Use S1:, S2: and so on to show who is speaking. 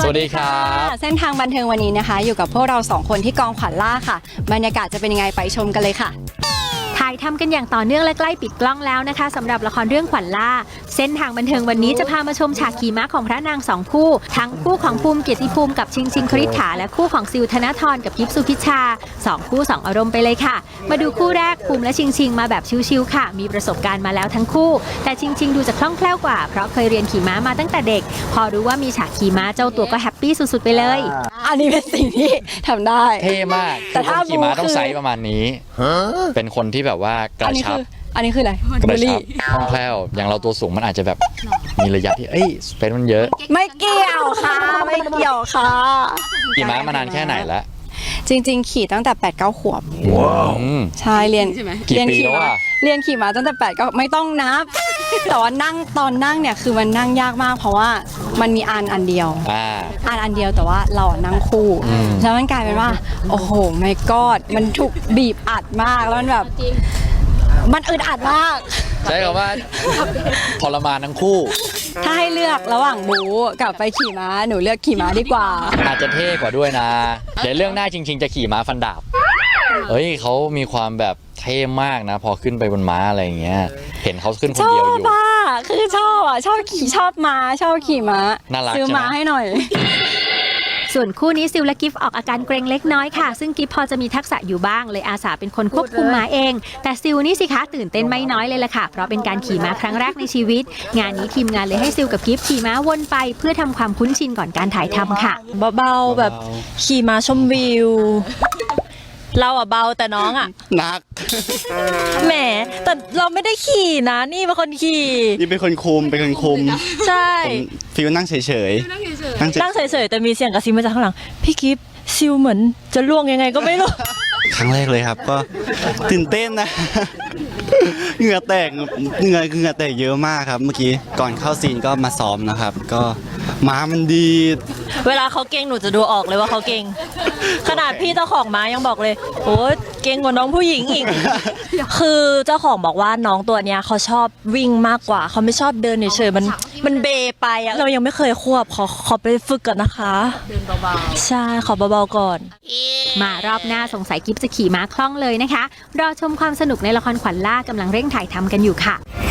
S1: สวัสดีครับ
S2: เส้นทางบันเทิงวันนี้นะคะอยู่กับพวกเรา2คนที่กองขวัญล่าค่ะบรรยากาศจะเป็นยังไงไปชมกันเลยค่ะ
S3: ถ่ายทำกันอย่างต่อเนื่องและใกล้ปิดกล้องแล้วนะคะสำหรับละครเรื่องขวัญล่าเส้นทางบันเทิงวันนี้จะพามาชมฉากขี่ม้าของพระนางสองคู่ทั้งคู่ของภูมิเกียรติภูมิกับชิงคริษฐาและคู่ของซิวธนทรกับกิฟสุพิชชา2คู่2อารมณ์ไปเลยค่ะมาดูคู่แรกภูมิและชิงมาแบบชิวๆค่ะมีประสบการณ์มาแล้วทั้งคู่แต่ชิงดูจะคล่องแคล่วกว่าเพราะเคยเรียนขี่ม้ามาตั้งแต่เด็กพอรู้ว่ามีฉากขี่ม้าเจ้าตัวก็แฮปปี้สุดๆไปเลย
S2: อันนี้เป็นสิ่งที่ทำได้
S1: เท่มากแต่ถ้าขี่ม้าต้องไซส์ประมาณนี้เป็นคนที่แบบว่ากระชับ
S2: อันนี้คืออะไร
S1: กระชับคล่องแคล่วอย่างเราตัวสูงมันอาจจะแบบมีระยะที่สเปซมันเยอะ
S2: ไม่เกี่ยวค่ะไม่เกี่ยวค่ะ
S1: ขี่ม้ามานานแค่ไหนแล้ว
S2: จริงๆขี่ตั้งแต่ 8-9 ขวบ
S1: ว้าว
S2: ใช่เรียน
S1: กี่ปีแล้วอะ
S2: เรียนขี่ม้าตั้งแต่8-9ไม่ต้องนับแต่ว่านั่งตอนนั่งเนี่ยคือมันนั่งยากมากเพราะว่ามันมีอันเดียวอันเดียวแต่ว่าเรานั่งคู่แล้วมันกลายเป็นว่าโอ้โหไม่กอดมันถูกบีบอัดมากแล้วมันแบบมันอึดอัดมาก
S1: ใช่คำว่าทรมานทั้งคู่
S2: ถ้าให้เลือกระหว่างบู๊กับไปขี่ม้าหนูเลือกขี่ม้าดีกว่า
S1: อาจจะเท่กว่าด้วยนะเดี๋ยวเรื่องหน้าจริงๆจะขี่ม้าฟันดาบเขามีความแบบเท่มากนะพอขึ้นไปบนม้าอะไรอย่างเงี้ยเห็นเขาขึ้นคนเดียวอยู่
S2: คือชอบขี่ชอบม้าชอบขี่ม้าซื้อม้าให้หน่อย
S3: ส่วนคู่นี้ซิลและกิฟออกอาการเกรงเล็กน้อยค่ะซึ่งกิฟพอจะมีทักษะอยู่บ้างเลยอาสาเป็นคนควบคุมม้าเองแต่ซิลนี่สิคะตื่นเต้นไม่น้อยเลยล่ะค่ะเพราะเป็นการขี่ม้าครั้งแรกในชีวิตงานนี้ทีมงานเลยให้ซิลกับกิฟขี่ม้าวนไปเพื่อทำความคุ้นชินก่อนการถ่ายทำค่ะ
S4: เบาๆแบบขี่ม้าชมวิวเราอะเบาแต่น้องอะ
S5: หนัก
S4: แหมแต่เราไม่ได้ขี่นะนี่เป็นคนขี่
S5: นี่เป็นคนคุม
S4: ใช่
S5: ฟิวนั่งเฉย
S4: นั่งเฉยแต่มีเสียงกระซิบมาจากข้างหลังพี่กิฟซิลเหมือนจะล่วงยังไงก็ไม่รู้
S5: ครั้งแรกเลยครับก็ตื่นเต้นนะเหงื่อแตกเยอะมากครับเมื่อกี้ก่อนเข้าซีนก็มาซ้อมนะครับก็ม้ามันดี
S4: เวลาเขาเก่งหนูจะดูออกเลยว่าเขาเก่งขนาดพี่เจ้าของม้ายังบอกเลยโอ้เก่งกว่าน้องผู้หญิงอีกคือเจ้าของบอกว่าน้องตัวเนี้ยเขาชอบวิ่งมากกว่าเขาไม่ชอบเดินเฉยๆมันเบไปอะเรายังไม่เคยควบขอไปฝึกก่อนนะคะเดินเบาๆใช่ขอเบาๆก่อน
S3: มารอบหน้าสงสัยกิฟจะขี่ม้าคล่องเลยนะคะรอชมความสนุกในละครขวัญล่ากำลังเร่งถ่ายทำกันอยู่ค่ะ